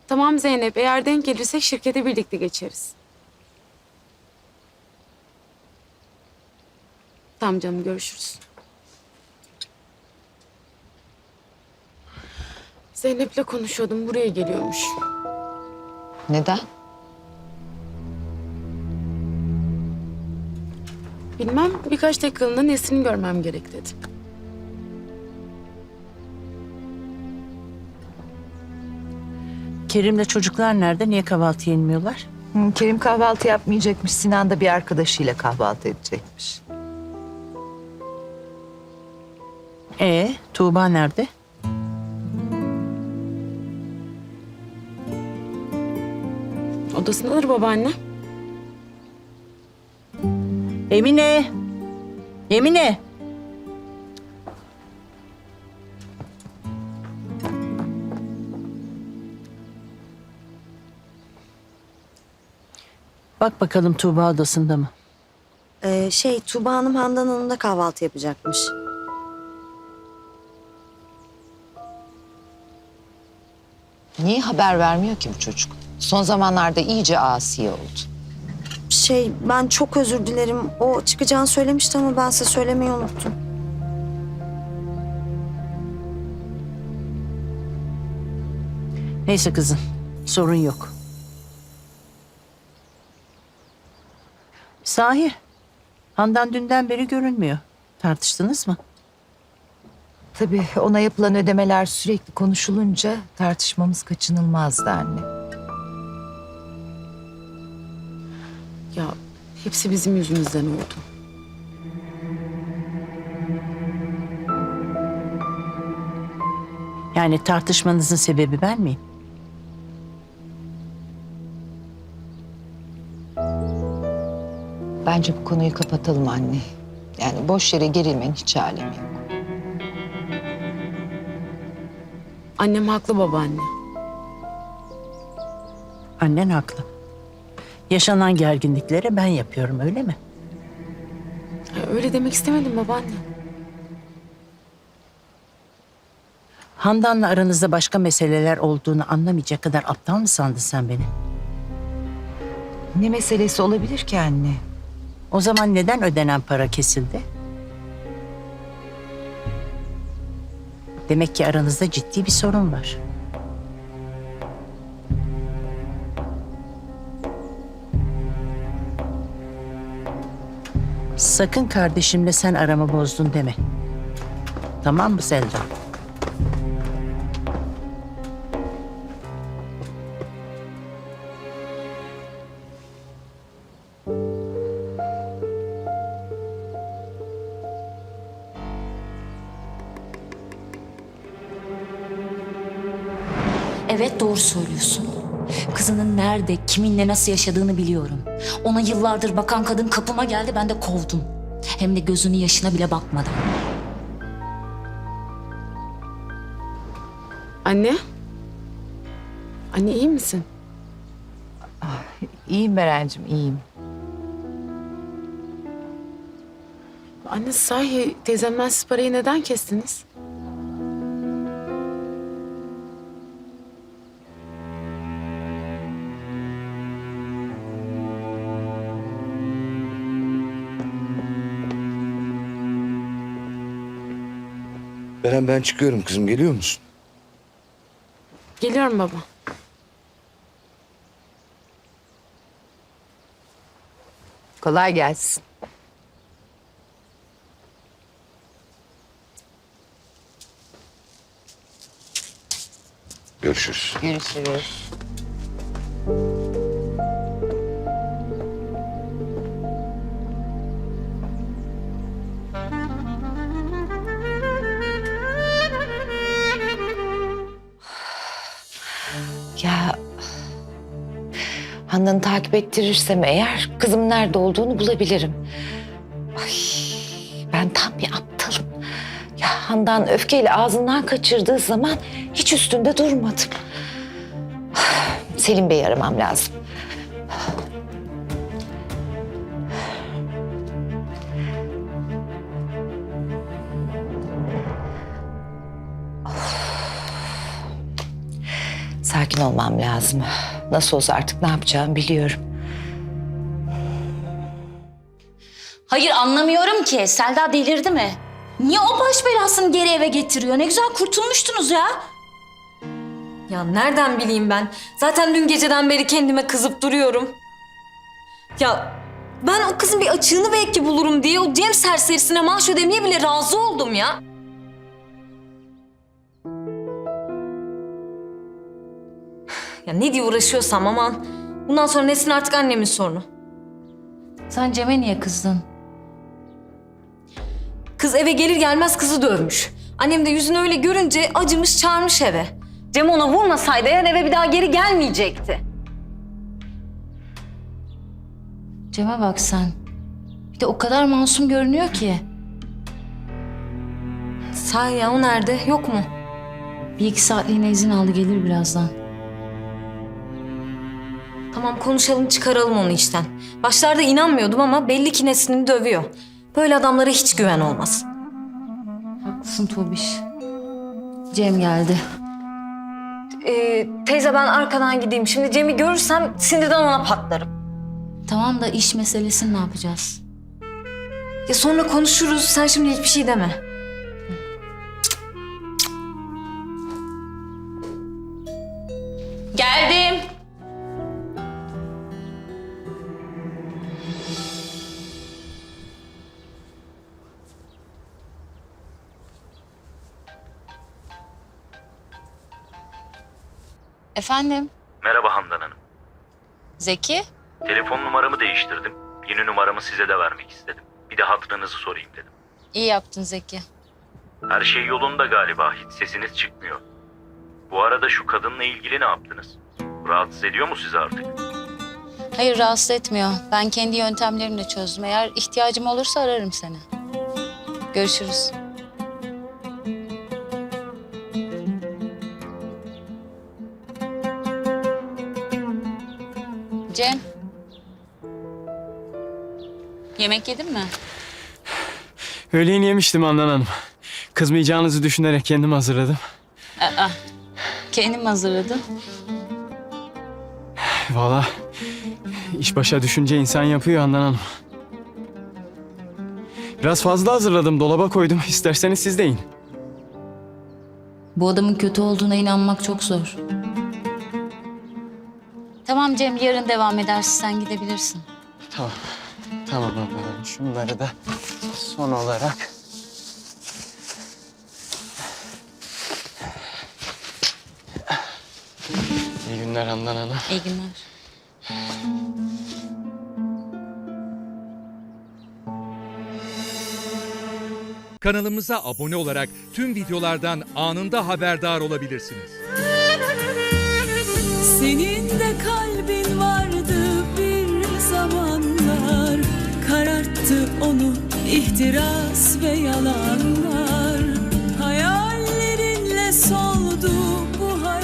Tamam Zeynep, eğer denk gelirsek şirkete birlikte geçeriz. Tamam canım, görüşürüz. Zeynep'le konuşuyordum, buraya geliyormuş. Neden? Bilmem, birkaç dakikalığına Nesrin'i görmem gerek dedi. Kerim'le çocuklar nerede? Niye kahvaltı yenmiyorlar? Kerim kahvaltı yapmayacakmış. Sinan da bir arkadaşıyla kahvaltı edecekmiş. Tuğba nerede? Odasındadır babaanne. Emine! Emine! Bak bakalım Tuğba odasında mı? Tuğba Hanım Handan Hanım'da kahvaltı yapacakmış. Niye haber vermiyor ki bu çocuk? Son zamanlarda iyice asi oldu. Ben çok özür dilerim. O çıkacağını söylemişti ama ben size söylemeyi unuttum. Neyse kızım, sorun yok. Sahi, Handan dünden beri görünmüyor. Tartıştınız mı? Tabii ona yapılan ödemeler sürekli konuşulunca tartışmamız kaçınılmazdı anne. Ya hepsi bizim yüzümüzden oldu. Yani tartışmanızın sebebi ben miyim? Bence bu konuyu kapatalım anne. Yani boş yere gerilmenin hiç alemi yok. Annem haklı babaanne. Annen haklı. Yaşanan gerginliklere ben yapıyorum, öyle mi? Ya, öyle demek istemedim babaanne. Handan'la aranızda başka meseleler olduğunu anlamayacak kadar aptal mı sandın sen beni? Ne meselesi olabilir ki anne? O zaman neden ödenen para kesildi? Demek ki aranızda ciddi bir sorun var. Sakın kardeşimle sen aramı bozdun deme. Tamam mı Selda? Evet, doğru söylüyorsun. Kızının nerede, kiminle nasıl yaşadığını biliyorum. Ona yıllardır bakan kadın kapıma geldi, ben de kovdum. Hem de gözünün yaşına bile bakmadan. Anne? Anne iyi misin? İyiyim Berencim, iyiyim. Anne sahi teyzemden siz parayı neden kestiniz? Beren ben çıkıyorum kızım, geliyor musun? Geliyorum baba. Kolay gelsin. Görüşürüz. Görüşürüz. Ya Handan'ı takip ettirirsem eğer kızım nerede olduğunu bulabilirim. Ay, ben tam bir aptalım. Ya Handan öfkeyle ağzından kaçırdığı zaman hiç üstünde durmadım. Selim Bey'i aramam lazım. Sakin sakin olmam lazım. Nasıl olsa artık ne yapacağımı biliyorum. Hayır anlamıyorum ki. Selda delirdi mi? Niye o baş belasını geri eve getiriyor? Ne güzel kurtulmuştunuz ya. Ya nereden bileyim ben? Zaten dün geceden beri kendime kızıp duruyorum. Ya ben o kızın bir açığını belki bulurum diye o Cem serserisine maaş ödemeye bile razı oldum ya. Ya ne diye uğraşıyorsam aman. Bundan sonra Nesin artık annemin sorunu. Sen Cem'e niye kızdın? Kız eve gelir gelmez kızı dövmüş. Annem de yüzünü öyle görünce acımış çağırmış eve. Cem ona vurmasaydı eğer eve bir daha geri gelmeyecekti. Cem'e bak sen. Bir de o kadar masum görünüyor ki. Sahi ya o nerede? Yok mu? Bir iki saatliğine izin aldı gelir birazdan. Tamam konuşalım çıkaralım onu işten. Başlarda inanmıyordum ama belli ki Nesrin'i dövüyor. Böyle adamlara hiç güven olmaz. Haklısın Tuğbiş. Cem geldi. Teyze ben arkadan gideyim. Şimdi Cem'i görürsem sinirden ona patlarım. Tamam da iş meselesini ne yapacağız? Ya sonra konuşuruz. Sen şimdi hiçbir şey deme. Geldim. Efendim, Merhaba Handan Hanım. Zeki? Telefon numaramı değiştirdim. Yeni numaramı size de vermek istedim. Bir de hatırınızı sorayım dedim. İyi yaptın Zeki. Her şey yolunda galiba. Hiç sesiniz çıkmıyor. Bu arada şu kadınla ilgili ne yaptınız? Rahatsız ediyor mu sizi artık? Hayır, rahatsız etmiyor. Ben kendi yöntemlerimle çözdüm. Eğer ihtiyacım olursa ararım seni. Görüşürüz. Cem. Yemek yedin mi? Öğleyin yemiştim Handan Hanım. Kızmayacağınızı düşünerek kendim hazırladım. Kendim hazırladım. Vallahi iş başa düşünce insan yapıyor Handan Hanım. Biraz fazla hazırladım, dolaba koydum. İsterseniz siz de yiyin. Bu adamın kötü olduğuna inanmak çok zor. Tamam Cem, yarın devam edersin. Sen gidebilirsin. Tamam. Tamam Handan Hanım. Şunları da son olarak... İyi günler Handan Hanım. İyi günler. Kanalımıza abone olarak tüm videolardan anında haberdar olabilirsiniz. Senin de kalbin vardı bir zamanlar, kararttı onu ihtiras ve yalanlar. Hayallerinle soldu